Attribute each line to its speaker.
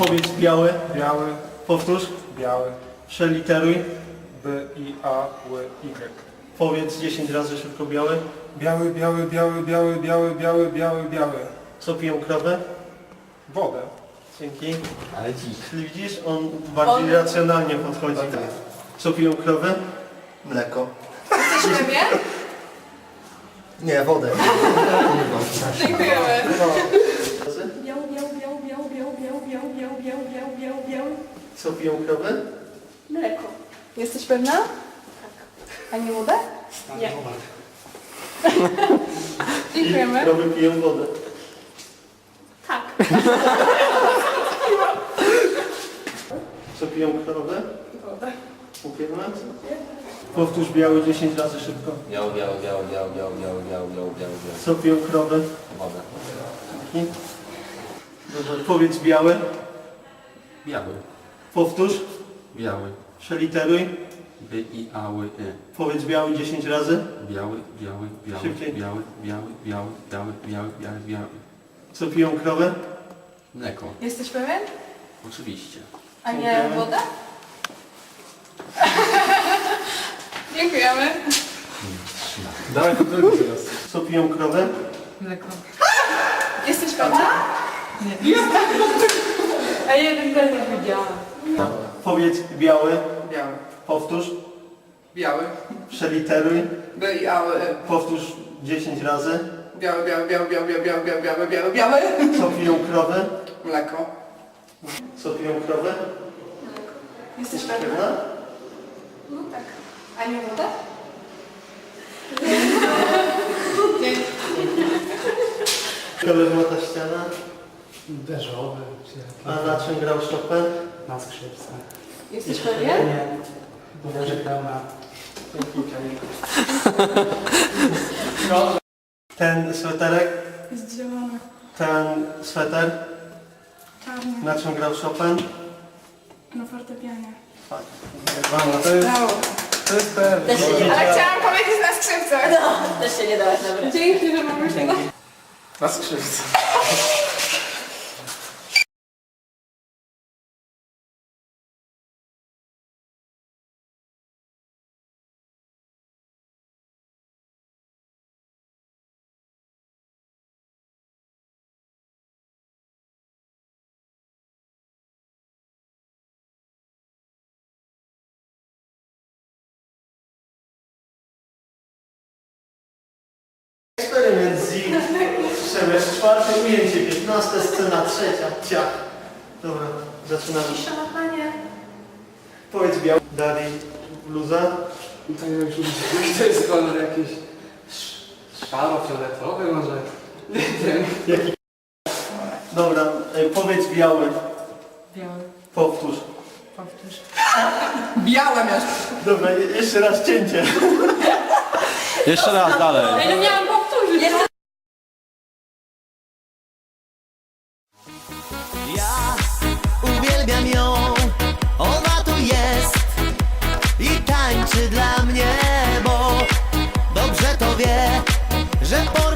Speaker 1: Powiedz biały.
Speaker 2: Biały.
Speaker 1: Powtórz.
Speaker 2: Biały.
Speaker 1: Przeliteruj.
Speaker 2: B, I, A, Ł, Y.
Speaker 1: Powiedz 10 razy szybko biały.
Speaker 2: Biały, biały, biały, biały, biały, biały, biały, biały.
Speaker 1: Co piją krowy?
Speaker 2: Wodę.
Speaker 1: Dzięki.
Speaker 3: Ale dziś.
Speaker 1: Czyli widzisz, on bardziej racjonalnie podchodzi. Co piją krowy?
Speaker 3: Mleko.
Speaker 4: Jesteś pewien?
Speaker 3: Nie, wodę.
Speaker 4: Dziękujemy.
Speaker 5: Biał, biał, biał, biał, biał, biał, biał, biał, biał, biał, biał, biał.
Speaker 1: Co piją krowy?
Speaker 5: Mleko.
Speaker 4: Jesteś pewna? Tak. A nie wodę?
Speaker 5: Nie.
Speaker 4: Dziękujemy.
Speaker 1: I krowy piją wodę.
Speaker 5: Tak.
Speaker 1: Co piją krowy?
Speaker 4: Wodę.
Speaker 1: Upierne? Powtórz biały 10 razy szybko.
Speaker 3: Biały, biały, biały, biały, biały, biały, biały, biały, biały, biały.
Speaker 1: Co piją krowy?
Speaker 3: Wodę.
Speaker 1: Dzięki. Dobrze. Powiedz biały.
Speaker 3: Biały.
Speaker 1: Powtórz.
Speaker 3: Biały.
Speaker 1: Przeliteruj.
Speaker 3: B, I, A, Ł, Y.
Speaker 1: Powiedz biały 10 razy.
Speaker 3: Biały, biały, biały,
Speaker 1: Szybciej.
Speaker 3: biały, biały, biały, biały, biały, biały, biały.
Speaker 1: Co piją krowy?
Speaker 3: Mleko.
Speaker 4: Jesteś pewien?
Speaker 3: Oczywiście.
Speaker 4: A nie
Speaker 1: Dziękujemy.
Speaker 4: wodę? Dziękujemy.
Speaker 2: Dawaj to drugi teraz.
Speaker 1: Co piją krowy?
Speaker 4: Mleko. Jesteś pewna? Nie. A jeden też nie widziałam.
Speaker 1: Powiedz biały.
Speaker 6: Biały.
Speaker 1: Powtórz.
Speaker 6: Biały.
Speaker 1: Przeliteruj.
Speaker 6: B, I, A, Ł, Y.
Speaker 1: Powtórz 10 razy.
Speaker 6: Biały, biały, biały, biały, biały, biały, biały, biały, biały, biały.
Speaker 1: Co piją krowy?
Speaker 6: Mleko.
Speaker 1: Co piją krowy?
Speaker 4: Jesteś pewna?
Speaker 1: Pewna?
Speaker 4: No tak. A nie wodę?
Speaker 1: Kolor ma ta ściana.
Speaker 7: Beżowy, czy
Speaker 1: A na czym grał Chopin?
Speaker 7: na skrzypce.
Speaker 4: Jesteś pewien?
Speaker 7: Nie, bo że grał na...
Speaker 1: Ten sweterek,
Speaker 4: Jest zielony.
Speaker 1: ten sweter,
Speaker 4: Czarny.
Speaker 1: na czym grał Chopin?
Speaker 4: Na fortepianie.
Speaker 1: Fajnie.
Speaker 2: To jest,
Speaker 4: Brawo.
Speaker 2: to jest pewne.
Speaker 5: Też się nie da.
Speaker 4: Ale chciałam powiedzieć na skrzypcach.
Speaker 5: No, też się nie dałaś nabrać.
Speaker 4: Dzięki, że mamy się.
Speaker 2: Na skrzypce.
Speaker 1: Eksperyment Z. Przemysł, czwarte ujęcie, 15 scena, trzecia. Ciach. Dobra, zaczynamy.
Speaker 4: Cisza na planie.
Speaker 1: Powiedz biały. Dalej bluza.
Speaker 7: To już to jest kolor jakiś szaro-fioletowy może. Nie wiem.
Speaker 1: Jaki? Dobra, powiedz biały.
Speaker 4: Biały.
Speaker 1: Powtórz.
Speaker 4: Powtórz.
Speaker 6: Białe miasto.
Speaker 1: Dobra, jeszcze raz cięcie.
Speaker 3: Jeszcze raz, dalej.
Speaker 4: Ja nie miałam powtórzyć.
Speaker 8: Ja uwielbiam ją, ona tu jest i tańczy dla mnie, bo dobrze to wie, że